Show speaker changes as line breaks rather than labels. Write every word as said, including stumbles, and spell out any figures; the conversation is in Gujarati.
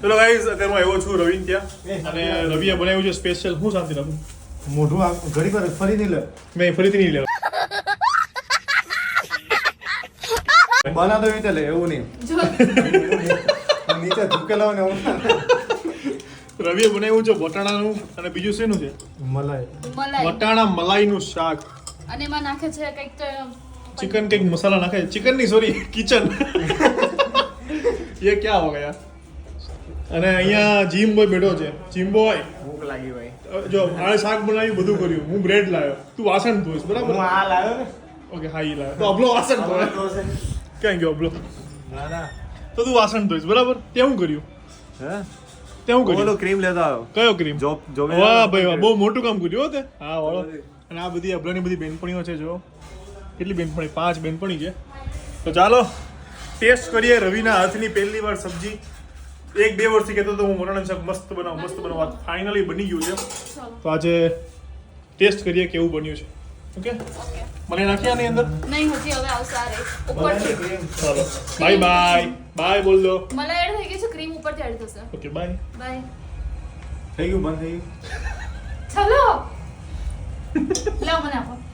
ચલો ગાઈઝ અત્યારે હું આવ્યો છું રવિન ત્યાં અને રવિએ બનાવ્યું છે સ્પેશિયલ. હું શાંતિ રાખું
મોઢું આ ઘડી વાર ફરી નહીં લે.
મેં ફરીથી નહીં લેવા
બના દો રીતે લે એવું નહીં. નીચે ઝૂકેલા હોય ને એવું.
રવિએ બનાવ્યું છે વટાણાનું અને બીજું શેનું છે?
મલાઈ.
મલાઈ
વટાણા મલાઈનું શાક.
અને એમાં નાખે છે કંઈક તો
चिकन के मसाला नाखा है. चिकन नहीं सॉरी किचन. ये क्या हो गया? અને અહીંયા જીમ બોય બેઠો છે. જીમ બોય
ભૂખ લાગી ભાઈ.
જો આણે શાક બનાવ્યું બધું કર્યું. હું બ્રેડ લાવ્યો. તું વાસણ ધોઈશ બરાબર?
હું આ લાવ્યો ને.
ઓકે હા ઈ લાવ્યો. તો અબલો વાસણ ધોય. ક્યાં ગયો અબલો?
ના ના.
તો તું વાસણ ધોઈશ બરાબર? તે હું કર્યું?
હે?
તે હું કર્યું?
ઓલો ક્રીમ લેતા આવ્યો.
કયો ક્રીમ?
Job job.
વાહ ભાઈ વાહ, બહુ મોટું કામ કર્યું હો તે. હા વાળો. અને આ બધી અબલાની બધી બેનપણીઓ છે જો. કેટલી બેનપણી? પાંચ બેનપણી છે. તો ચાલો ટેસ્ટ કરીએ રવિના હાથની પહેલી વાર સબ્જી. એક બે વર્ષથી કહેતો તો હું વટાણાનું શાક મસ્ત બનાવું મસ્ત બનાવું. ફાઇનલી બની ગયું છે. તો આજે ટેસ્ટ કરીએ કેવું બન્યું છે. ઓકે મને નાખી આની અંદર.
નહીં હજી હવે આવશે આ રહી ઉપરથી.
ચાલો બાય બાય બાય બોલ દો.
મલાઈ એડ થઈ ગઈ છે, ક્રીમ ઉપરથી એડ થશે.
Okay bye
bye.
થઈ ગયું બંધ થઈ ગયું.
ચલો લાવ મને આપો.